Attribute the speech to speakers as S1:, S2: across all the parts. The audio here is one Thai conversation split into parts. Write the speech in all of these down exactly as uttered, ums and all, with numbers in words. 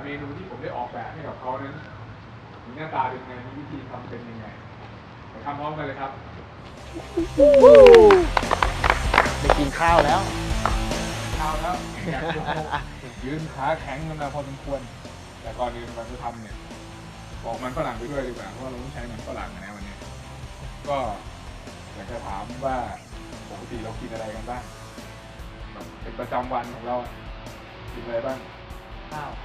S1: เมนูที่ผมได้ออกแบบให้กับเขานั้นมีหน้าตาเป็นยังไงมีวิธีทำเป็นยังไงไปทำพร้อมกันเลยครับ
S2: ได้กินข้าวแล้ว
S1: ข้าวแล้วอยากยืนขาแข็งกันมาพอสมควรแต่ก่อนอื่นเราจะทำเนี่ยบอกมันฝรั่งไปด้วยดีกว่าเพราะเราต้องใช้มันฝรั่งนะวันนี้ก็อยากจะถามว่าปกติเรากินอะไรกันบ้างแบบเป็นประจำวันของเรากินอะไรบ้าง
S3: ข้าว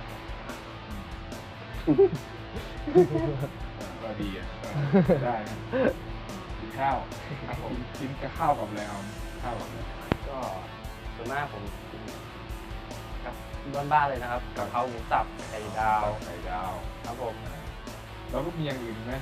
S1: ก็ดีอ่ะได้นะกินข้าวครับผมกินกับข้าวกับอะไรเอาข้าวกับอะไร
S3: ก็ส่วนมากผมกินกับบ้านๆเลยนะครับกะเพราหมูสับไข่ดาว
S1: ไข่ดาว
S3: ครับผม
S1: แล้วก็มีอย่างอื่นไหม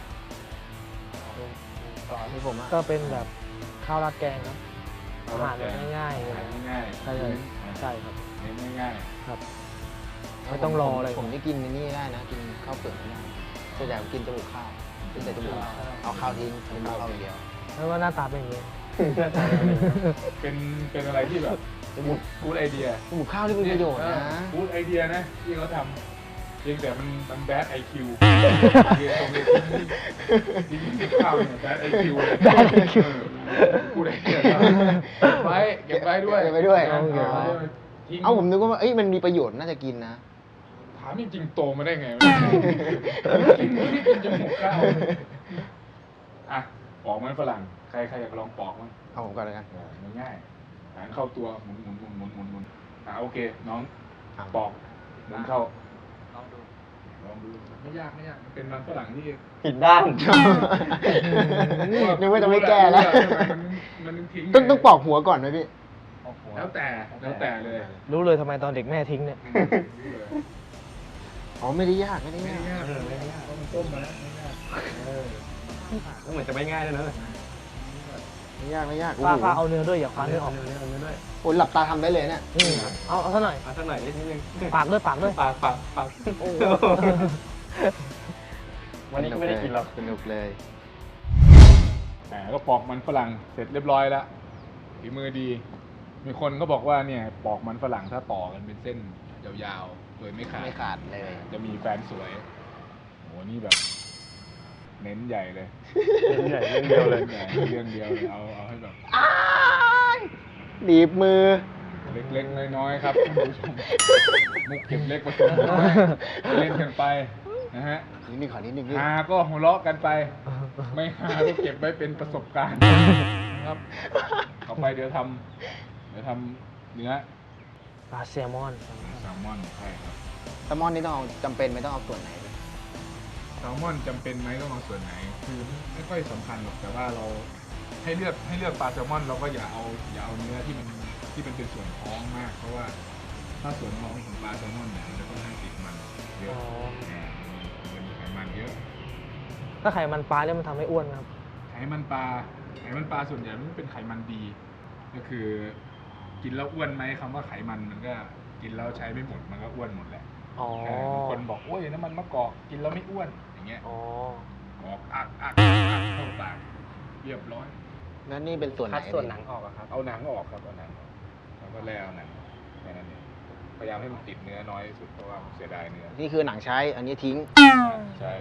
S3: ตอน
S2: ที่ผม
S4: ก็เป็นแบบข้าวราดแกงครับอาหารง่ายๆเลย
S1: ง่าย
S4: ใช่เลยใช่ครับ
S1: เน้นง่าย
S4: ครับไม่ต้องรออะไร
S2: ผมได้กินในนี่ได้นะกินข้าวเปลือกไม่ได้ส่วนใหญ่ผมกินจมูกข้าวกินแต่จมูกเอาข้าวทิ้งกินข้าวอย่างเดียว
S4: ไม่ว่าหน้าตาเป็นอย่างนี้
S1: เป็นเป็นอะไรที่แบบ
S2: จมูก
S1: กูดไอเดีย
S2: จมูกข้าวที่เป็นประโยชน์นะ
S1: กูดไอเดียนะที่เขาทำเพียงแต่มันมันแบดไอคิวเรียนตรงเรียนที่ที่ข้าวเนี่ยแบดไอคิว
S4: แบดไอคิว
S1: กูดไอเดียไว้เก็บไว้ด้วย
S2: เก็บไว้ด้วย
S1: เอา
S2: ผมนึกว่าเอ้ยมันมีประโยชน์น่าจะกินนะ
S1: ถามจริงๆโตมาได้ไงกินไม่ได้กินจมูกข้าวอ่ะปอกมันฝรั่งใครใครอยากลองปอกมั้ง
S2: เอาผมก่อนเลยกัน
S1: ง่ายๆหางเข้าตัวหมุนหมุนหมุนหมุนหมุนหมุนอ่ะโอเคน้องปอกหมุนเข้า
S3: ลองดู
S1: ลองดูไม่ยากไม่ยากเป็นมันฝรั่งที่
S2: ผิดด้านนึกว่าจะไม่แก้แล้ว
S1: มันทิ้ง
S2: ต้องต้องปอกหัวก่อนไหมพี่
S1: แล้วแต่แล้วแต่เลย
S4: รู้เลยทำไมตอนเด็กแม่ทิ้งเนี่ย
S2: อ๋อไม่ได้ยากไม่ได้
S1: ยากไม่ยากไม่ยากเพราะมันต้มมาแล้วไม่ยากเออ
S3: ก็เหมือนจะไม่ง่ายเลยนะ
S2: ไม่ยากไม่ยาก
S4: ปลาปลาเอาเนื้อด้วยอย่าคว้าเนื้อออก
S3: เนื้อเนื้อด้วย
S2: โอ้หลับตาทำได้เลยเนี่ย
S4: เอาเอาสักหน่อย
S3: เอาสักหน่อยนิดนึง
S4: ปากด้วยปากด้วย
S3: ปากปากปากวันนี้ก็ไม่ได้กินหรอก
S2: สนุกเลย
S1: แหมก็ปอกมันฝรั่งเสร็จเรียบร้อยแล้วฝีมือดีมีคนก็บอกว่าเนี่ยปอกมันฝรั่งถ้าต่อกันเป็นเส้นยาวๆโดยไม่ขาด
S2: ไม่ขาดเลย
S1: จะมีแฟนสวยโหนี่แบบเน้นใหญ่เลย
S3: เน้นใหญ่เรื่องเดียวเลย
S1: เรื่องเดียวเลยเอาเอาให้แบบ
S2: ดีบมือ
S1: เล็กๆน้อยๆครับท่านผู้ชมมุกเก็บเล็กผสมเล่นกันไปนะฮะ
S2: นิดนึงขอนิดนึง
S1: ฮาก็หัวเราะกันไปไม่ฮาก็เก็บไว้เป็นประสบการณ์นะครับต่อไปเดี๋ยวทำเดี๋ยวทำเนื้อ
S4: ปลาแซลมอน
S1: แซลมอนใช่ครับ
S2: แซลมอนนี่ต้องเอาจำเป็นไม่ต้องเอาส่วนไหน
S1: แซลมอนจำเป็นไหมต้องเอาส่วนไหนคือไม่ค่อยสำคัญหรอกแต่ว่าเราให้เลือกให้เลือกปลาแซลมอนเราก็อย่าเอาอย่าเอาเนื้อที่มันที่มันเป็นส่วนท้องมากเพราะว่าถ้าส่วนท้องของปลาแซลมอนเนี่ยมันจะค่อนข้างติดมันเยอะมันมีไขมันเยอะ
S4: ถ้าไขมันปลาเนี่ยมันทำให้อ้วนครับ
S1: ไขมันปลาไขมันปลาส่วนใหญ่มันเป็นไขมันดีก็คือกินแล้วอ้วนไหมคำว่าไขมันมันก็กินแล้วใช้ไม่หมดมันก็อ้วนหมดแหละบางคนบอกโอ้ยน้ำมันมะกอกกินแล้วไม่อ้วนอย่างเงี้ยกอกอักอักอักเข้าปากเรียบร้อย
S2: แล้วนี่เป็นส่วนไหน
S3: ส่วนหนังออกครับ
S1: เอาหนังออกครับเอาหนังแล้วก็แล้วหนังแค่นั้นเองพยายามให้มันติดเนื้อน้อยที่สุดเพราะว่าเสียดายเนื้อ
S2: นี่คือหนังใช้อันนี้ทิ้ง
S1: ใช่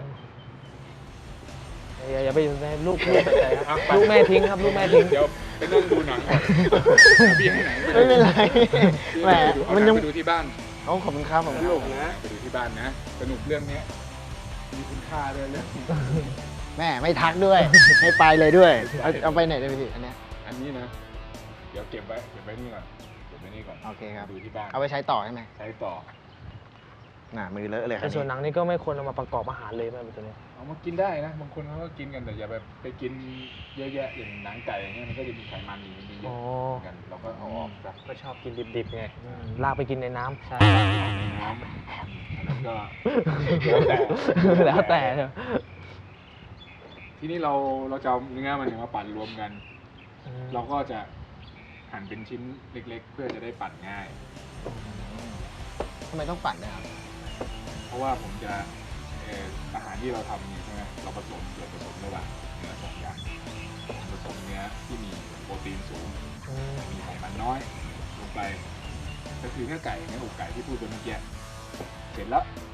S4: อย่าอย่าไปอยู่ในลูกลูกใจครับลูกแม่ทิ้งครับลูกแม่ทิ้ง
S1: เดี๋ยวไปนั่งดูหนังก่อนพี่ให้ไหน
S2: ไม่เป็นไรแหม
S1: มันยังไปดูที่บ้าน
S2: เอาขอบคุณครับผม
S1: สนุกนะไปดูที่บ้านนะสนุกเรื่องนี้มีคุณค่าด้วยเรื่อง
S2: แม่ไม่ทักด้วยให้ไปเลยด้วยเอาเอาไปไหนได้พี่อันนี้
S1: อันนี้นะเดี๋ยวเก็บไว้เก็บไว้นี่ก่อนเก็บไว้นี่ก่อน
S2: โอเคครับ
S1: ดูที่บ้าน
S2: เอาไปใช้ต่อใช่ไหม
S1: ใช้ต่อ
S2: น่ะมือเลอะเลยครับ
S4: ส่วนหนังนี่ก็ไม่ควรเอามาประกอบอาหารเลยแม่เป็นตัวนี้
S1: เอามากินได้นะบางคนเขาก็กินกันแต่อย่าแบบไปกินเยอะแยะอย่างหนังไก่อย่างเงี้ยมันก็จะมีไขมันอยู่มันเยอะกันเราก็เอาออก
S3: ก็ชอบกินดิบๆไง
S4: ลากไปกินในน้ำ
S3: ใช่
S1: ในน้ำแล้วก็
S4: แล้วแต่
S1: ทีนี้เราเราจะเอาเนื้อมันมาปั่นรวมกันเราก็จะหั่นเป็นชิ้นเล็กๆเพื่อจะได้ปั่นง่าย
S2: ทำไมต้องปั่นด้วยครับ
S1: เพราะว่าผมจะอาหารที่เราทำนี่ใช่ไหมเราผสมส่วนผสมระหว่างเนื้อสองอย่างผสมเนื้อที่มีโปรตีนสูงมีไขมันน้อยลงไปก็คือเนื้อไก่เนื้ออกไก่ที่พูดไปเมื่อกี้เสร็จแล้ว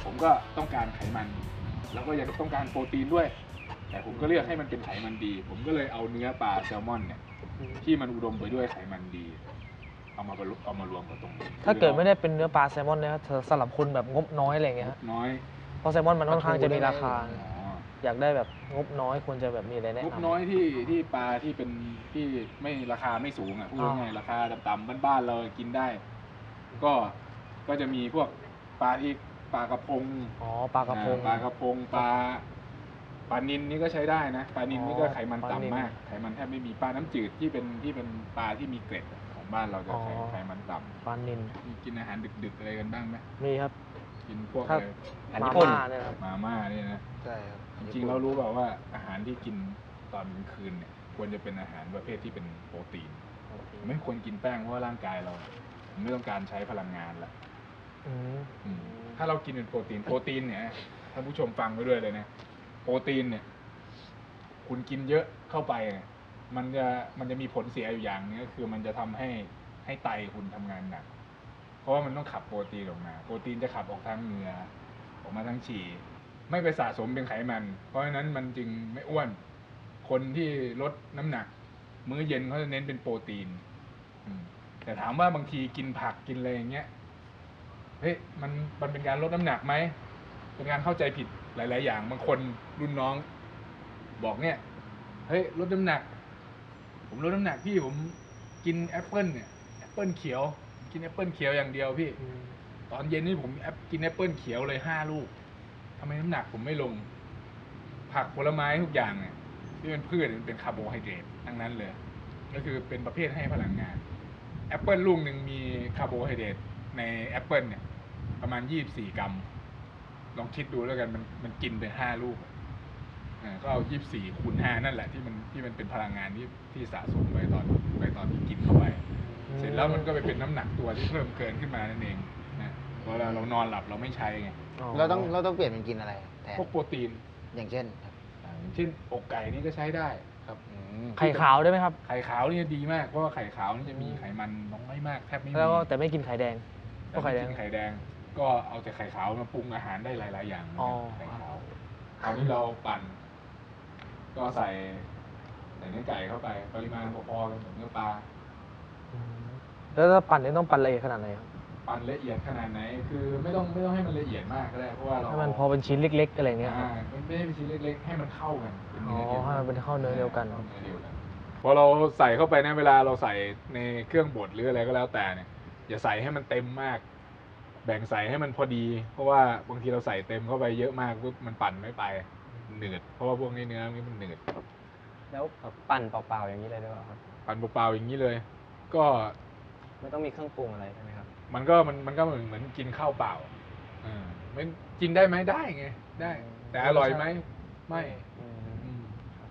S1: ผมก็ต้องการไขมัน แล้วก็ยังต้องการโปรตีนด้วย แต่ผมก็เลือกให้มันเป็นไขมันดี ผมก็เลยเอาเนื้อปลาแซลมอนเนี่ยที่มันอุดมไปด้วยไขมันดี เอามาเอามารวมกับตรงนี้
S4: ถ้าเกิดไม่ได้เป็นเนื้อปลาแซลมอนเนี่ยสำหรับคนแบบงบน้อยอะไรอย่างเงี้ยฮะ
S1: น้อย
S4: เพราะแซลมอนมันค่อนข้างจะมีราคา
S1: อ๋อ
S4: อยากได้แบบงบน้อยควรจะแบบมีอะไรแนะ
S1: งบ
S4: นำ
S1: น้อยที่ที่ปลาที่เป็นที่ไม่ราคาไม่สูงอ่ะพูดง่ายๆราคาต่ำๆบ้านๆเรากินได้ ก็ก็จะมีพวกปลาที่ปลากระพง
S4: อ๋อปลากระพง
S1: อ่าปลากระพงปลาปลานิลนี่ก็ใช้ได้นะปลานิลนี่ก็
S4: อ๋อ
S1: ไขมัน
S4: ปลานิล
S1: ต่ำมากไขมันแทบไม่มีปลาน้ำจืดที่เป็นที่เป็นปลาที่มีเกล็ดของบ้านเราจะ
S4: อ๋อ
S1: ไขไขมันต่
S4: ปลานิล
S1: ำมีกินอาหารดึกๆอะไรกันบ้างไหม
S4: มีครับ
S1: กินพวก
S4: ครั
S1: อะ
S4: บ
S1: ไร
S3: อัน
S4: มา
S3: ญี่ปุ่น
S4: ม่าเนี่ยครับ
S1: มาม่าเนี่ยนะ
S2: ใช่ครับ
S1: จริงๆเรารู้เปล่าว่าอาหารที่กินตอนกลางคืนเนี่ยควรจะเป็นอาหารประเภทที่เป็นโปรตีน ไม่ควรกินแป้งเพราะว่าร่างกายเราไม่ต้องการใช้พลังงานละ
S4: อืม
S1: อืมถ้าเรากินเป็นโปรตีนโปรตีนเนี่ยท่านผู้ชมฟังไว้ด้วยเลยนะโปรตีนเนี่ย คุณกินเยอะเข้าไปเนี่ยมันจะมันจะมีผลเสียอยู่อย่างนึงก็คือมันจะทำให้ให้ไตคุณทำงานหนัก เพราะว่ามันต้องขับโปรตีนออกมา โปรตีนจะขับออกทางเหงื่อออกมาทางฉี่ไม่ไปสะสมเป็นไขมัน เพราะฉะนั้นมันจึงไม่อ้วน คนที่ลดน้ำหนัก มื้อเย็นเขาจะเน้นเป็นโปรตีนอืมแต่ถามว่าบางทีกินผักกินอะไรอย่างเงี้ยเฮ้ยมันมันเป็นการลดน้ำหนักไหมเป็นการเข้าใจผิดหลาย ๆ อย่างบางคนรุ่นน้อง บอกเนี่ยเฮ้ยลดน้ำหนัก ผมลดน้ำหนักพี่ผมกินแอปเปิลเนี่ยแอปเปิลเขียวกินแอปเปิลเขียวอย่างเดียวพี่
S4: อืม
S1: ตอนเย็นนี่ผมแอปกินแอปเปิลเขียวเลยห้าลูกทำไมน้ำหนักผมไม่ลง ผักผลไม้ทุกอย่างเนี่ยที่เป็นพืชมันเป็นคาร์โบไฮเดรตทั้งนั้นเลย ก็คือเป็นประเภทให้พลังงานแอปเปิลลูกหนึ่งมีคาร์โบไฮเดรตในแอปเปิลเนี่ยประมาณยี่สิบสี่กรัม ลองคิดดูแล้วกันมันมันกินไปห้าลูกอ่าก็เอายี่สิบสี่คูณห้านั่นแหละที่มันที่มันเป็นพลังงานที่ที่สะสมไว้ตอนไว้ตอนที่กินเข้าไป เสร็จแล้วมันก็ไปเป็นน้ำหนักตัวที่เพิ่มเกินขึ้นมานั่นเองนะเวลาเรานอนหลับเราไม่ใช้ไง
S2: เราต้องเราต้องเปลี่ยนเป็นกินอะไรแทน
S1: พวกโปรตีน
S2: อย่างเช่นครับ
S1: อ่าอย่างเช่นอกไก่นี่ก็ใช้ได้ครับ
S2: อืม
S4: ไข่ขาวได้ไหมครับ
S1: ไข่ขาวนี่ดีมากเพราะว่าไข่ขาวนี่จะมีไขมันน้อยมากแทบไม่มี
S4: แล้วก็แต่ไม่กินไข่แดงเพ
S1: แต่
S4: ราะไข่
S1: ไม่
S4: แดง
S1: กินไข่แดง ก็เอาแต่ไข่ขาวมาปรุงอาหารได้หลาย ๆ อย่างนะ
S4: อ๋อ
S1: ไข่ขาวคราวนี้เราปั่น ก็ใส่ใส่เนื้อไก่เข้าไปปริมาณพอๆกันกับเนื้อปลา
S4: อืมแล้วถ้าปั่นนี่ต้องปั่นละเอียดขนาดไหนครับ
S1: ปั่นละเอียดขนาดไหน คือไม่ต้องไม่ต้องให้มันละเอียดมากก็ได้เพราะว่าเรา
S4: ให้มันพอเป็นชิ้นเล็ก ๆ อะไรเงี้ยครับ
S1: อ่ามันไม่ได้เป็นชิ้นเล็กๆ ให้มันเข้ากันเป็น
S4: อ๋อ
S1: เนื้อเดียว
S4: ให้มันเป็นเข้าเนื้อเดียวกัน
S1: ข้าเนื้อเดียวกันพอเราใส่เข้าไปนะเวลาเราใส่ในเครื่องบดหรืออะไรก็แล้วแต่เนี่ยอย่าใส่ให้มันเต็มมาก แบ่งใส่ให้มันพอดี เพราะว่าบางทีเราใส่เต็มเข้าไปเยอะมากปุ๊บมันปั่นไม่ไปหนืดเพราะว่าพวกนี้เนื้อนี่มันหนืด
S3: แล้วปั่นเปล่าๆอย่างนี้เลยได้ป่ะครับ
S1: ปั่นเปล่าๆอย่างนี้เลย ก็
S3: ไม่ต้องมีเครื่องปรุงอะไรใช่ไหมครับ
S1: มันก็มันมันก็เหมือนเหมือนกินข้าวเปล่าอ่าไม่กินได้ไหมได้ไงได้ แต่อร่อยไหมไม่
S3: อืม
S1: อืม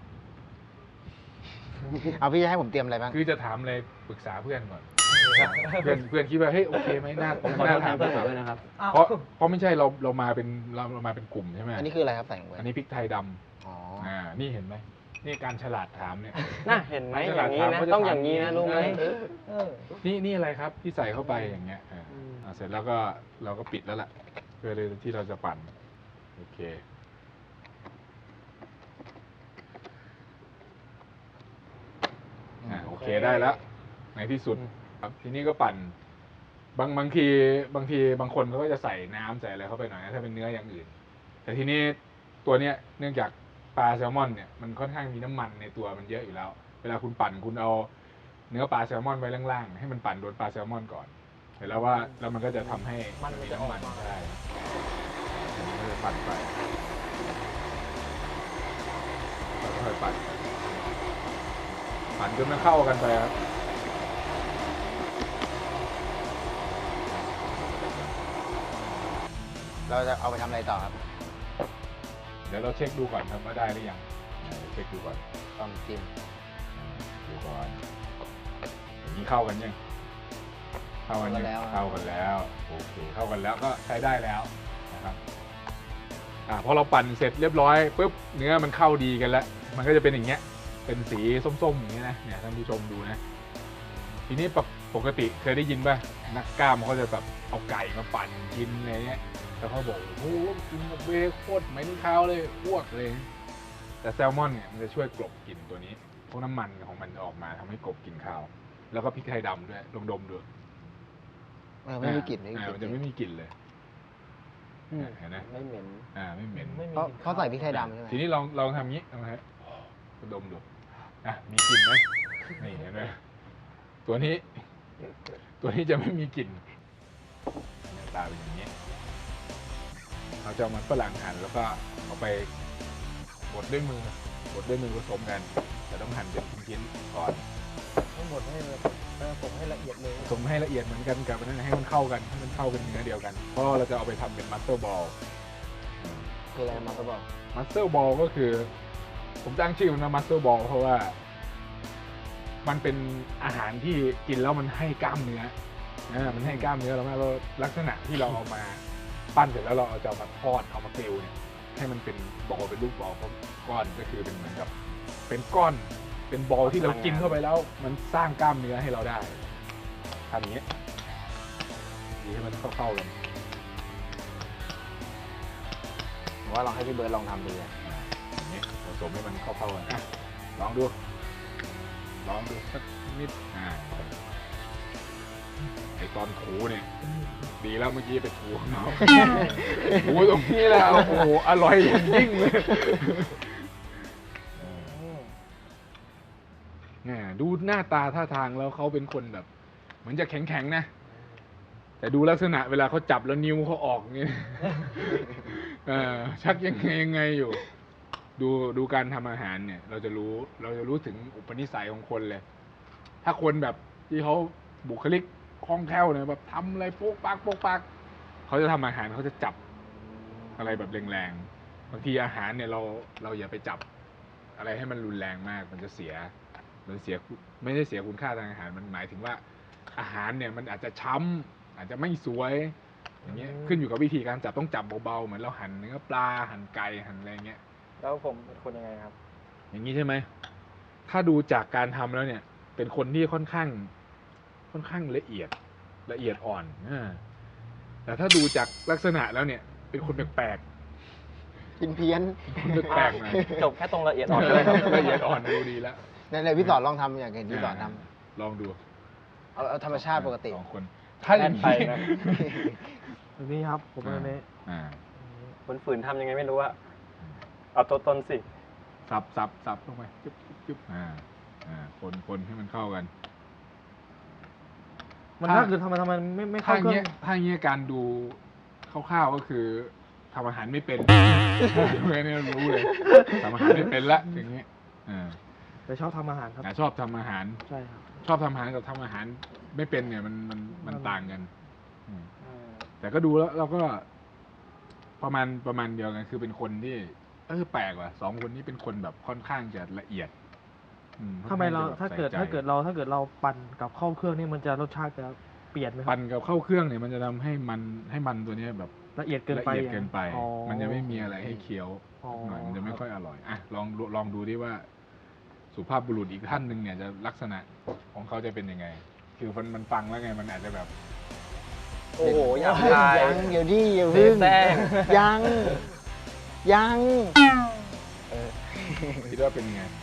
S2: เอาพี่จะให้ผมเตรียมอะไรบ้าง
S1: คือจะถามอะไรปรึกษาเพื่อนก่อน เพื่อนเพื่อนคิดว่าเฮ้ยโอเคไหมน่า
S3: ผมขอโท
S1: น่า
S3: ษแท
S1: ถาน ม
S3: เพื่อนผมด้วยนะครับ
S1: เพราะเพราะไม่ใช่เราเรามาเป็นเราเรามาเป็นกลุ่มใช่ไหม
S2: อันนี้คืออะไรครับใส่ลงไป
S1: อันนี้พริกไทยดำ
S2: อ๋อ
S1: อ่านี่เห็นไหมนี่การฉลาดถามเนี่ย
S3: น่าเห็นไหม
S1: ฉ
S3: อ
S1: ลาด
S3: ย่างนี้
S1: ถาม
S3: นะ
S1: เขาจะ
S3: ต้อง
S1: ถาม
S3: อย่างนี้นะรู้ไหม
S1: เออ นี่นี่อะไรครับที่ใส่เข้าไปอย่างเงี้ยอ่า
S4: อืม
S1: อ่าเสร็จแล้วก็เราก็ปิดแล้วล่ะเพื่อที่เราจะปั่นโอเคอ่าโอเคได้แล้วในที่สุดครับทีนี้ก็ปั่น บางบางทีบางทีบางคนเขาก็จะใส่น้ำใส่อะไรเข้าไปหน่อยนะถ้าเป็นเนื้ออย่างอื่น แต่ทีนี้ตัวเนี้ยเนื่องจากปลาแซลมอนเนี่ยมันค่อนข้างมีน้ำมันในตัวมันเยอะอยู่แล้ว เวลาคุณปั่นคุณเอาเนื้อปลาแซลมอนไว้ล่างๆให้มันปั่นโดนปลาแซลมอนก่อนเสร็จแล้วว่าแล้วมันก็จะทำให้
S4: มันมันจะออกมา
S1: น้ำได้มันก็จะปั่นไปแล้วก็ค่อยปั่นไปปั่นจนมันเข้ากันไปครับ
S2: เราจะเอาไปทำอะไรต่อครับ
S1: เดี๋ยวเราเช็คดูก่อนครับว่าได้หรือยังเดี๋ยวเช็คดูก่อน
S2: ต้องจิ้ม
S1: ดูก่อนอย่างนี้เข้ากันยังเข้ากันยังเข้ากันแล้วโอเคเข้ากันแล้วก็ใช้ได้แล้วนะครับอ่าพอเราปั่นเสร็จเรียบร้อยปุ๊บเนื้อมันเข้าดีกันแล้ว มันก็จะเป็นอย่างเงี้ยเป็นสีส้มๆอย่างเงี้ยนะเนี่ยท่านผู้ชมดูนะทีนี้ปกติเคยได้ยินป่ะนักกล้ามเขาจะแบบเอาไก่มาปั่นกินอะไรเงี้ยแล้วเขาบอกโอ้โหกินกับเวย์โคตรเหม็นคาวเลยอ้วกเลย แต่แซลมอนเนี่ยมันจะช่วยกลบกลิ่นตัวนี้พวกน้ำมันของมันออกมาทำให้กลบกลิ่นคาว แล้วก็พริกไทยดำด้วยลองดมดู
S2: เออไม่มีกลิ่นไม่มี
S1: อ่าก
S2: ลิ่
S1: มัน นจะไม่มีกลิ่นเลย
S3: อืม
S1: เห็นไหม
S3: ไม่เหม็น
S1: อ่าไม่เหม็น
S4: ไม่มี
S2: เพราะเขาใส่พริกไทยดำใช่ไหม
S1: ทีนี้ลองลองทำงี้ลองฮะดมดูอ่ะมีกลิ่นไหมนี่เห็นไหมตัวนี้ ตัวนี้จะไม่มีกลิ่นหน้าตาเป็นอย่างนี้เราจะเอามันฝรั่งหั่นแล้วก็เอาไปบดด้วยมือบดด้วยมือผสมกัน แต่ต้องหั่นเป็นชิ้นๆก่อน
S4: ทั้งหมดให้เลยผมให้ละเอียดเลย
S1: ผสมให้ละเอียดเหมือนกันกับอันนั้นให้มันเข้ากันให้มันเข้าเป็นเนื้อเดียวกัน เพราะเราจะเอาไปทำเป็นมัสเตอร์บอล
S2: คืออะไรมาตะบอก
S1: มัสเตอร์บอลก็คือ ผมตั้งชื่อมันว่ามัสเตอร์บอลเพราะว่า มันเป็นอาหารที่กินแล้วมันให้กล้ามเนื้ออ่ามันให้กล้ามเนื้อเรามากแล้วลักษณะที่เราเอามาปั้นเสร็จแล้วเราเอาจะเอามาทอดเอามาเกลียวเนี่ยให้มันเป็นบอลเป็นลูกบอลก้อนก็คือเป็นเหมือนกับ เป็นก้อนเป็นบอลที่เรากินเข้าไปแล้ว มันสร้างกล้ามเนื้อให้เราได้ทำอย่างนี้ดีให้มันเข้าๆกัน
S2: ผมว่าลองให้พี่เบิร์ดลองทำดูอะ
S1: อ่าอย่างนี้ผสมให้มันเข้าๆกันอ่ะลองดู ลองดูสักนิดอ่าไอตอนถูเนี่ยดีแล้วเมื่อกี้ไปถูข้างนอกถูตรงนี้แล้วโอ้โหอร่อยอย่างยิ่งเลยเนี่ยดูหน้าตาท่าทางแล้วเขาเป็นคนแบบ เหมือนจะแข็งๆนะ แต่ดูลักษณะเวลาเขาจับแล้วนิ้วเขาออกเงี้ยเออชักยังไงยังไงอยู่ ดูดูการทำอาหารเนี่ย เราจะรู้เราจะรู้ถึงอุปนิสัยของคนเลย ถ้าคนแบบที่เขาบุคลิกคล่องแคล่วเนี่ยแบบทำอะไรโป๊กปักโป๊กปักเขาจะทำอาหารเขาจะจับอะไรแบบแรงๆบางทีอาหารเนี่ยเราเราอย่าไปจับอะไรให้มันรุนแรงมากมันจะเสียมันเสียไม่ได้เสียคุณค่าทางอาหารมันหมายถึงว่าอาหารเนี่ยมันอาจจะช้ำอาจจะไม่สวยอย่างเงี้ยขึ้นอยู่กับวิธีการจับต้องจับเบาๆเหมือนเราหั่นเนื้อปลาหั่นไก่หั่นอะไรเงี้ย
S3: แล้วผมเป็นคนยังไงครับ
S1: อย่างนี้ใช่ไหม ถ้าดูจากการทำแล้วเนี่ย เป็นคนที่ค่อนข้าง ค่อนข้างละเอียด ละเอียดอ่อนอ่าแต่ถ้าดูจากลักษณะแล้วเนี่ย เป็นคนแปลก
S2: กินเพี้ยน
S1: ๆคนแปลกๆหน่อย
S3: จบแค่ตรงละเอียดอ่อนเลยครับ
S1: ละเอียดอ่อนดูดีแล้ว
S2: ในในพี่สอนลองทำอย่างเห็นพี่สอนท
S1: ลองดู
S2: ำเอาเอาธรรมชาติปกติ
S1: สองคน ถ้าอย่าง
S3: แน่นไป
S1: นี้
S3: นะ
S4: แบบนี้ครับ ผมเป็นแบบนี้
S1: อ่า
S3: คนฝืนทำยังไงไม่รู้อะเอาตัวตนสิ
S1: สับสับสับลงไปจุ๊บจุ๊บจุ๊บอ่า อ่า คนคนให้มันเข้ากัน
S4: มัน
S1: ถ้า
S4: ถ้าคือทำไมทำไมไม่ไม่
S1: ถ้า
S4: เข้า
S1: อ
S4: เค
S1: ย่าง
S4: รื่
S1: เงี้
S4: อย ง
S1: ถ้าอย่างเงี้ยการดูคร่าวๆก็คือทำอาหารไม่เป็น ดูแค่นี้รู้เลยทำอาหารไม่เป็นละอย่างเงี้ยอ่า
S4: แต่ชอบทำอาหารครับ
S1: อ่าชอบทำอาหาร
S4: ใช่ครับ
S1: ชอบทำอาหารกับทำอาหารไม่เป็นเนี่ยมันมันมัน
S4: มัน
S1: ต่างกันอืม
S3: อืม
S1: แต่ก็ดูแล้วเราก็ ประมาณประมาณเดียวกันคือเป็นคนที่เออแปลกว่ะสองคนนี้เป็นคนแบบค่อนข้างจะละเอียดอื
S4: ทำไมเรา
S1: ค่อนข้งจะแบบ
S4: ถ้าเกิด
S1: ใส่ใจ
S4: ถ้าเกิดเราถ้าเกิดเราปั่นกับเข้าเครื่องนี่มันจะรสชาติจะเปลี่ยนไหมครั
S1: ปั่
S4: บ
S1: นกับเข้าเครื่องเนี่ยมันจะทำให้มันให้มันตัวเนี้ยแบบ
S4: ละเอียดเกิน
S1: ละ
S4: ไป
S1: เอียดเกินไป
S4: อ๋อ
S1: มันจะไม่มีอะไรให้เคี้ยว
S4: อ๋อ
S1: หน่อยมันจะไม่ค่อยอร่อย อ่ะ ลองดูลองดูดิว่า สุภาพบุรุษอีกท่านหนึ่งเนี่ยจะลักษณะของเขาจะเป็นยังไง คือมันมันฟังแล้วไง มันอาจจะแบบ
S3: โอ้โหอยากตาย
S2: ยังเดี๋ยวดิอย่า
S3: เสี
S2: พึ่
S3: ย
S2: ง
S3: แป้ง
S2: ยัง ยัง เออ
S1: คิดว่าเป็นยังไง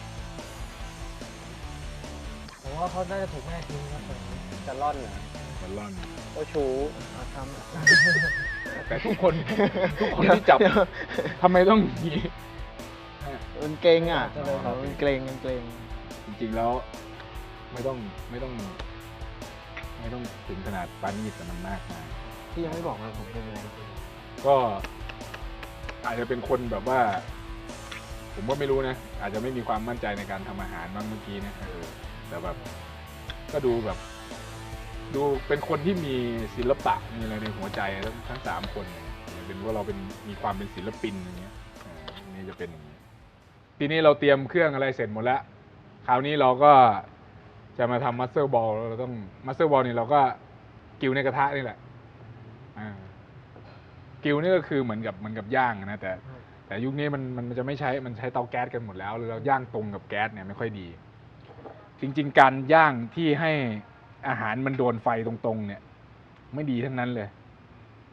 S4: ผมว่าเขาน่าจะถูกแม่ทิ้งครับแบบนี้
S3: จะร่อนเหรอ
S1: มันร่อน
S3: โอ้ชู
S2: เอาท
S1: แต่ทุกคน ทุกคนที่จับทำไมต้องอย่างนี้
S2: ำมันเกรงอ่ะมันเกรงมันเกรง
S1: จริงๆแล้ว ไม่ต้องไม่ต้อง ไม่ต้องถึงขนาดปานีตแต่มันมากมาย
S2: พี่ยังไม่บอกว่าผมเป็นอะไร
S1: ก็อาจจะเป็นคนแบบว่า ผมก็ไม่รู้นะ อาจจะไม่มีความมั่นใจในการทำอาหารบ้างเมื่อกี้เนะเออแต่แบบ ก็ดูแบบ ดูเป็นคนที่มีศิลปะมีอะไรในหัวใจทั้งทั้งสามคนเนี่ยเป็นว่าเราเป็นมีความเป็นศิลปินอย่างเงี้ยเออนี่จะเป็นอย่างนี้ทีนี้เราเตรียมเครื่องอะไรเสร็จหมดแล้ว คราวนี้เราก็จะมาทำมัสเซอร์บอลเราต้องมัสเซอร์บอลนี่เราก็กิวในกระทะนี่แหละอ่ากิวนี่ก็คือเหมือนกับเหมือนกับย่างนะแต่แต่ยุคนี้มันมันจะไม่ใช้มันใช้เตาแก๊สกันหมดแล้วหรือเราย่างตรงกับแก๊สเนี่ยไม่ค่อยดี จริง ๆ การย่างที่ให้อาหารมันโดนไฟตรงๆ เนี่ย ไม่ดีทั้งนั้นเลย
S4: อืม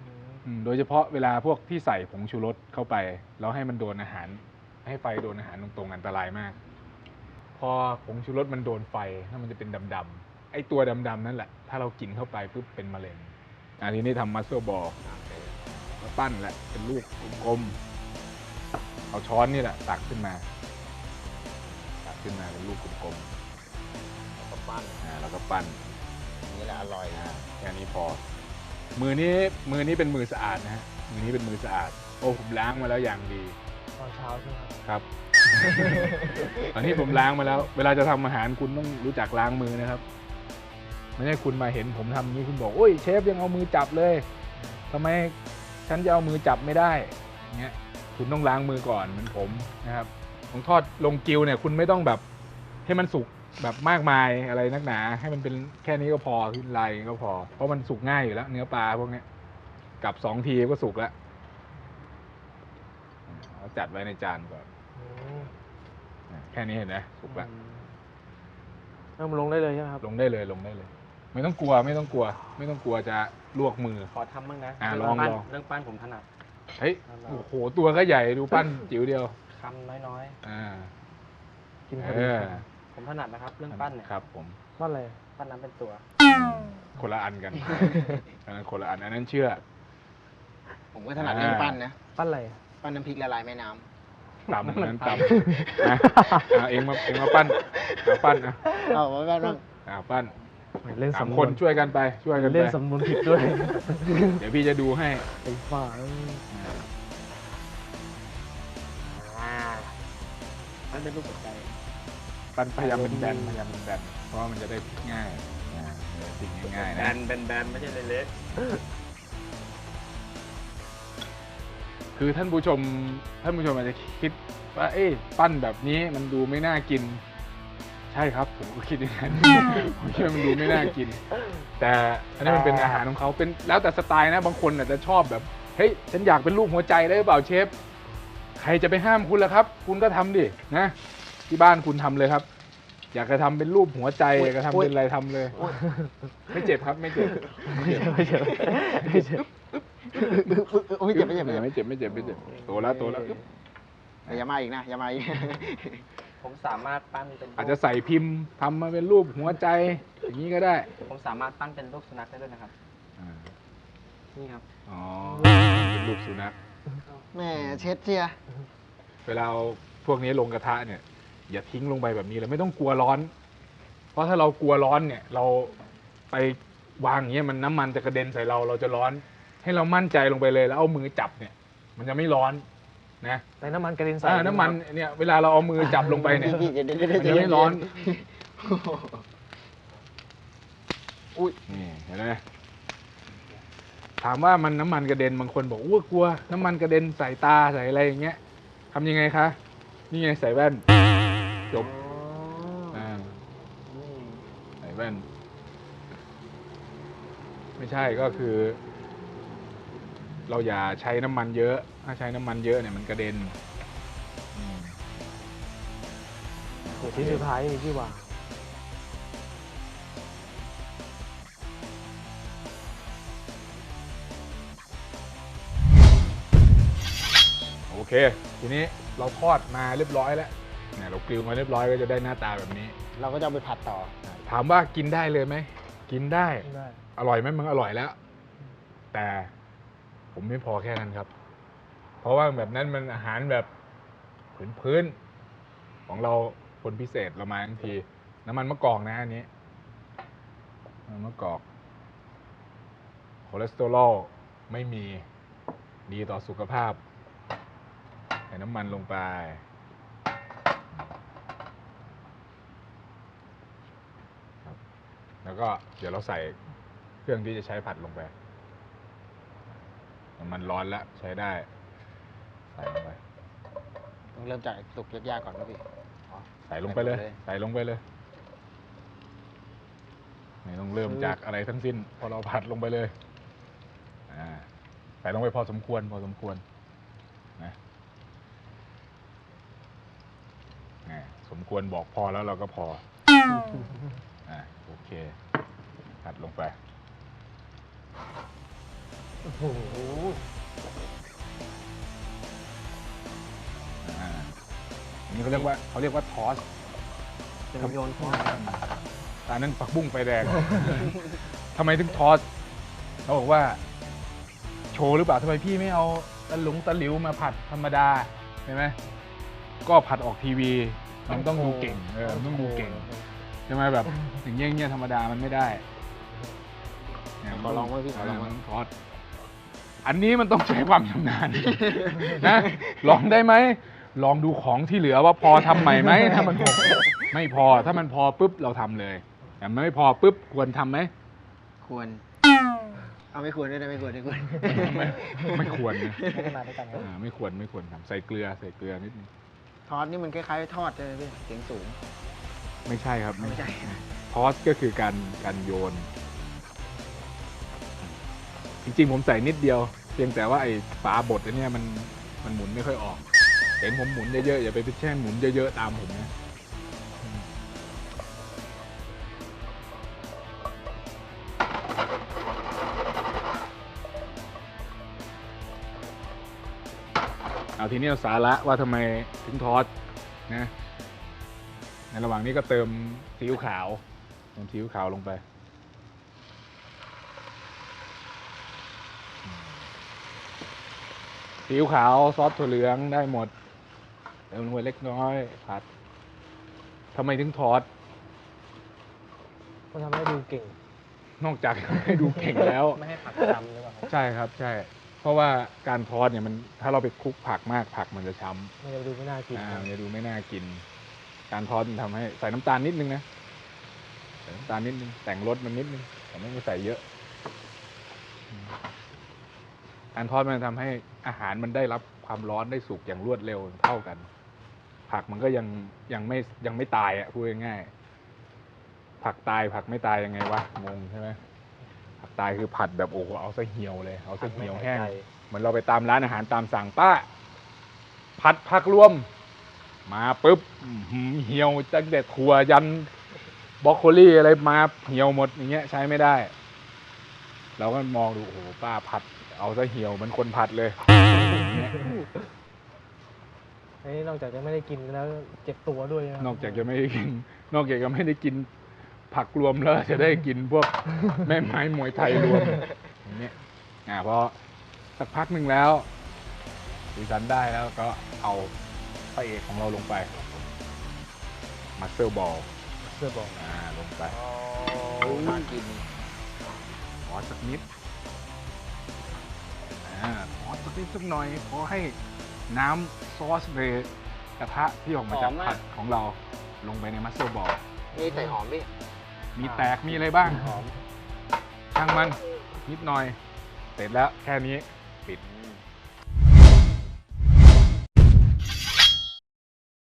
S1: อืมโดยเฉพาะเวลาพวกที่ใส่ผงชูรสเข้าไปแล้วให้มันโดนอาหาร ให้ไฟโดนอาหารตรงๆอันตรายมาก พอผงชูรสมันโดนไฟแล้วมันจะเป็นดำๆไอ้ตัวดำๆนั่นแหละถ้าเรากินเข้าไปปุ๊บเป็นมะเร็งอันนี้นี่ทำมัสเซอร์บอลมาปั้นแหละเป็นลูกกลมๆเอาช้อนนี่แหละตักขึ้นมาตักขึ้นมาเป็นลูกกลม
S2: แล้วก็ปั้น
S1: ๆอ่าแล้วก็ปั้น
S2: นี่แหละอร่อย
S1: อ่าแค่นี้พอ มือนี้มือนี้เป็นมือสะอาดนะฮะมือนี้เป็นมือสะอาดโอ้ผมล้างมาแล้วอย่างดี
S4: ตอนเช้าใช่ไหมครับ
S1: ครับ ตอนนี้ผมล้างมาแล้ว เวลาจะทำอาหารคุณต้องรู้จักล้างมือนะครับ ไม่ใช่คุณมาเห็นผมทำอย่างนี้คุณบอกโอ้ยเชฟยังเอามือจับเลยทำไมฉันจะเอามือจับไม่ได้อย่างเงี้ยคุณต้องล้างมือก่อนเหมือนผมนะครับของทอดลงกิวเนี่ยคุณไม่ต้องแบบให้มันสุกแบบมากมายอะไรนักหนา ให้มันเป็นแค่นี้ก็พอขึ้นลายก็พอ เพราะมันสุกง่ายอยู่แล้วเนื้อปลาพวกเนี้ยกลับสองทีก็สุกแล้วเอาจัดไว้ในจานก่อน
S4: อืม
S1: แค่นี้เห็นไหมสุกแล้ว
S4: เอามาลงได้เลยใช่ไหมครับ
S1: ลงได้เลยลงได้เลย ไม่ต้องกลัวไม่ต้องกลัว ไม่ต้องกลัวจะลวกมือ
S3: ขอทำบ้างนะ
S1: อ่ะ
S3: เรื่
S1: ลอง
S3: ปั้น
S1: ลอง
S3: เรื่องปั้นผมถนัด
S1: เฮ้ยโอ้โหตัวก็ใหญ่ดูปั้นจิ๋วเดียว
S3: คำน้อย
S1: อ่า
S4: กินพ
S1: เอ
S4: อดี
S1: อ
S3: ๆ ผมถนัดนะครับ เรื่องปั้นเนี่ย
S1: ครับผม
S4: ว่าอะไร
S3: ปั้นน้ำเป็นตัว
S1: คนละอันกันอันนั้นคนละอันอันนั้นเชื่อ
S2: ผมก็ถนัดเรื่องปั้นนะ
S4: ปั้นอะไร
S2: ปั้นน้ำพริกละลายแม่น้
S1: ต่ำอันนั้นต่ำนะเอาเองมาเองมาปั้นเอาปั้นนะ
S2: ำเอาไว้บ้างบ้าง
S1: เอาปั้น
S4: เล่น
S1: สาม
S4: สำน
S1: ค
S4: วน น
S1: ช่วยกันไปช่วยกันไป
S4: เล่นสำนวนผิดด้วย
S1: เดี๋ยวพี่จะดูให้
S4: ไอ้ฝ่า
S1: อ่า
S3: ปั้นเป็นรูปหัวใจ
S1: ปั้นพยายามเป็นแบนพยายามเป็นแบนเพราะว่ามันจะได้พลิกง่ายอ่ามันจะพลิกง่ายๆ
S3: แบ
S1: นะ
S3: นแบนแบนไม่ใช่เล็ก
S1: คือท่านผู้ชมท่านผู้ชมอาจจะคิดว่าเอ๊ะปั้นแบบนี้มันดูไม่น่ากิน ใช่ครับผมก็คิดอย่างนั้น ผมคิดว่ามันดูไม่น่ากิน แต่อันนี้มันเป็นอาหารของเขาเป็นแล้วแต่สไตล์นะบางคนอาจจะชอบแบบเฮ้ยฉันอยากเป็นรูปหัวใจได้หรือเปล่าเชฟใครจะไปห้ามคุณล่ะครับ คุณก็ทำดินะที่บ้านคุณทำเลยครับ อยากจะทำเป็นรูปหัวใจอยากจะทำเป็นอะไรทำเลย ไม่เจ็บครับไม่เจ็บ
S4: ไม่ใช่ไม่ใช่ไม่ใช่
S2: โอ้ยเจ็บไม่เจ็บ
S1: ไม่เจ็บไม่เจ็บไม่เจ็บโตแล้วโตแล้ว
S2: อย่ามาอีกนะอย่ามาอีก
S3: ๆ ผมสามารถปั้นเป็นรูป
S1: อาจจะใส่พิมพ์ทำมาเป็นรูปหัวใจอย่างนี้ก็ได้
S3: ผมสามารถปั้นเป็นรูปสุนัขได้ด้วยนะครับ
S1: อ่า
S3: นี่ครับ
S1: อ๋อเป็นรูปสุนัข
S2: แม่เช็ดเชียร์
S1: เวลาเอาพวกนี้ลงกระทะเนี่ย อย่าทิ้งลงไปแบบนี้เลยไม่ต้องกลัวร้อน เพราะถ้าเรากลัวร้อนเนี่ย เราไปวางอย่างเงี้ยมันน้ำมันจะกระเด็นใส่เราเราจะร้อน ให้เรามั่นใจลงไปเลยแล้วเอามือจับเนี่ย มันจะไม่ร้อนนะ
S4: แต่น้ำมันกระเด็นใส่
S1: อ่าน้ำมันเนี่ยเวลาเราเอามือจับลงไปเนี่ย
S2: พี่เดี๋ยวเดี๋ยว
S1: มัน
S2: เดี๋
S1: จะ
S2: ยว
S1: ไม่ร้อน
S2: อุ้ย
S1: นี่เห็นไหมถามว่ามันน้ำมันกระเด็นบางคนบอกอ้วกลัว น้ำมันกระเด็นใส่ตาใส่อะไรอย่างเงี้ยทำยังไงคะนี่ไงใส่แว่นจบอ่าใส่แว่น ไม่ใช่ก็คือ เราอย่าใช้น้ำมันเยอะ ถ้าใช้น้ำมันเยอะเนี่ยมันกระเด็นอืม
S4: เดี๋ยวที่สุดท้ายมีที่วาง
S1: โอเค ทีนี้เราทอดมาเรียบร้อยแล้วเนี่ยเรากริลมาเรียบร้อยก็จะได้หน้าตาแบบนี้
S2: เราก็จะเอาไปผัดต่อ
S1: ถามว่ากินได้เลยไหมกินได้
S4: ได้
S1: อร่อยไหมมันอร่อยแล้ว แต่ผมไม่พอแค่นั้นครับ เพราะว่าแบบนั้นมันอาหารแบบพื้นๆของเราคนพิเศษเรามาทั้งที น้ำมันมะกอกนะอันนี้น้ำมันมะกอกคอเลสเตอรอลไม่มีดีต่อสุขภาพใส่น้ำมันลงไปครับแล้วก็เดี๋ยวเราใส่เครื่องที่จะใช้ผัดลงไปน้ำมันร้อนแล้วใช้ได้ใส่ลงไป
S2: ต้องเริ่มจากสุกยากๆก่อนนะพี่
S1: ใส่ลงไปเลย
S2: ใส่ลงไปเลย
S1: ใส่ลงไปเลยไม่ต้องเริ่มจากอะไรทั้งสิ้น พอเราผัดลงไปเลยอ่าใส่ลงไปพอสมควร พอสมควรนะอ่าสมควรบอกพอแล้วเราก็พออ่าโอเคผัดลงไป
S4: โอ้โห
S1: อ่าอันนี้เขาเรียกว่าเขาเรียกว่าทอส
S4: เป็นโยนข้อ
S1: อันนั้นผักบุ้งไฟแดง ทำไมถึงทอสเขาบอกว่า โชว์หรือเปล่าทำไมพี่ไม่เอาตะหลุงตะหลิวมาผัดธรรมดาเห็นไหมก็ผัดออกทีวีมันต้องดูเก่งเออมันต้องดูเก่งใช่ไหมแบบอย่างเงี้ยเงี้ยธรรมดามันไม่ได้เนี่ย
S2: ขอลองไว้พี่ขอลองไว้
S1: มันทอสอันนี้มันต้องใช้ความชำนาญ นะลองได้ไหมลองดูของที่เหลือว่าพอทำใหม่ไหมถ้ามันพอไม่พอถ้ามันพอปุ๊บเราทำเลยแต่ไม่พอปุ๊บควรทำไหม
S2: ควร เอาไม่ควรด้วยนะไม่ควรไม่ควร
S1: ไม่ไม่ควรนะ
S4: พัฒนาด้วยกันครับ
S1: อ่าไม่ควรไม่ควรทำใส่เกลือใส่เกลือนิดนึง
S2: ทอดนี่มันคล้ายๆทอดใช่ไหมพี่เสียงสูง
S1: ไม่ใช่ครับ
S2: ไม่ใช่
S1: ทอสก็คือการการโยน จริงๆผมใส่นิดเดียว เพียงแต่ว่าไอ้ฝาบดอันเนี้ยมันมันหมุนไม่ค่อยออกเห็นผมหมุนเยอะๆอย่าไปพิชแช่งหมุนเยอะๆตามผมนะเอาทีนี้เอาสาระว่าทำไมถึงทอสนะ ในระหว่างนี้ก็เติมซีอิ๊วขาวเติมซีอิ๊วขาวลงไปซีอิ๊วขาวซอสถั่วเหลืองได้หมดเติมลงไปเล็กน้อยผัดทำไมถึงทอด
S4: มันทำให้ดูเก่ง
S1: นอกจากให้ดูเก่งแล้ว
S4: ไม่ให้ผักจำหรือเปล่าครับ
S1: ใช่ครับใช่ เพราะว่าการทอดเนี่ยมันถ้าเราไปคลุกผักมากผักมันจะช้ำ
S4: มันจะดูไม่น่ากิน
S1: อ่า
S4: ครับ
S1: มันจะดูไม่น่ากิน การทอดมันทำให้ใส่น้ำตาลนิดนึงนะใส่น้ำตาลนิดนึงแต่งรสมันนิดนึงแต่ไม่ต้องใส่เยอะอืมการทอดมันทำให้อาหารมันได้รับความร้อนได้สุกอย่างรวดเร็วเท่ากัน ผักมันก็ยังยังไม่ยังไม่ตายอ่ะพูดง่ายๆผักตายผักไม่ตายยังไงวะงงใช่ไหมผักตายคือผัดแบบโอ้โหเอาซะเหี่ยวเลยเอาซะเหี่ยวแห้ง เหมือนเราไปตามร้านอาหารตามสั่งป้า ผัดผักรวม มาปุ๊บอื้อหือเหี่ยวตั้งแต่ถั่วยันบรอกโคลี่อะไรมาเหี่ยวหมดอย่างเงี้ยใช้ไม่ได้ เราก็มองดูโอ้โหป้าผัด เอาซะเหี่ยวเหมันคนผัดเลยอย่างเงี้ย
S4: อันนี้นอกจากจะไม่ได้กินแล้วเจ็บตัวด้วยะครับ
S1: นอกจากจะไม่ได้กิน นอกจากจะไม่ได้กินผักรวมแล้วจะได้กินพวก แม่ไม้มวยไทยรวมอย่างเงี้ยอ่าพอสักพักหนึ่งแล้วสีสันได้แล้วก็เอาพระเอกของเราลงไปมัสเซอร์บอล
S4: เสื้อบอก
S1: อ่าลงไป
S2: น่ากิน
S1: ขอสักนิดอ่าขอสักนิดสักหน่อยขอให้น้ำซอสในกระทะที่ออกมาจาก
S2: หอมมาก
S1: ผัดของเราลงไปในมัสเซอร์บอล
S2: นี่ใส่หอมพี่
S1: มีแตกมีอะไรบ้าง
S2: หอม
S1: ช่างมันนิดหน่อย เสร็จแล้วแค่นี้ปิด
S2: อืม